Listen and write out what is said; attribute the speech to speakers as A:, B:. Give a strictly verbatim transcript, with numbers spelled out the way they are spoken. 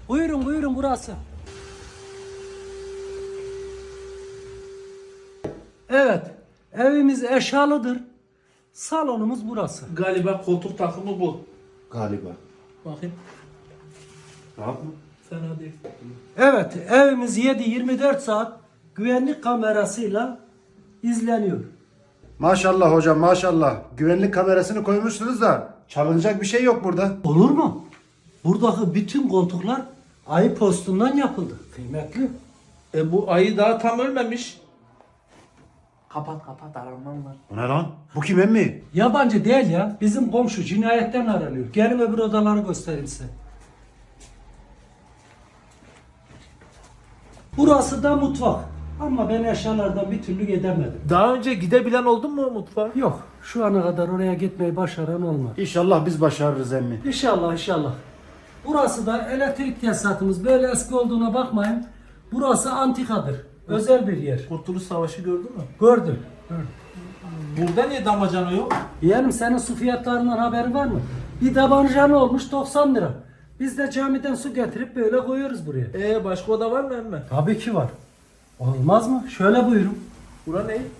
A: Buyurun buyurun burası. Evet, evimiz eşyalıdır. Salonumuz burası.
B: Galiba koltuk takımı bu.
C: Galiba.
B: Bakayım.
C: Rahat mı?
B: Fena değil.
A: Evet, evimiz yedi yirmi dört saat güvenlik kamerasıyla izleniyor.
C: Maşallah hocam maşallah. Güvenlik kamerasını koymuşsunuz da çalınacak bir şey yok burada.
A: Olur mu? Buradaki bütün koltuklar ayı postundan yapıldı. Kıymetli.
B: E bu ayı daha tam ölmemiş. Kapat kapat aramam var.
C: Bu ne lan? Bu kim emmi?
A: Yabancı değil ya. Bizim komşu cinayetten aranıyor. Gelin öbür odaları göstereyim size. Burası da mutfak. Ama ben eşyalardan bir türlü gidemedim.
B: Daha önce gidebilen oldun mu mutfağa?
A: Yok. Şu ana kadar oraya gitmeyi başaran olmadı.
C: İnşallah biz başarırız emmi.
A: İnşallah inşallah. Burası da elektrik tesisatımız. Böyle eski olduğuna bakmayın. Burası antikadır. Özel bir yer.
B: Kurtuluş Savaşı gördün mü?
A: Gördüm. Gördüm.
B: Burada niye damacana yok?
A: Yeğenim senin su fiyatlarından haberin var mı? Bir tabanca ne olmuş? doksan lira. Biz de camiden su getirip böyle koyuyoruz buraya.
B: E başka oda var mı emme?
A: Tabii ki var. Olmaz mı? Şöyle buyurun.
B: Bura ne?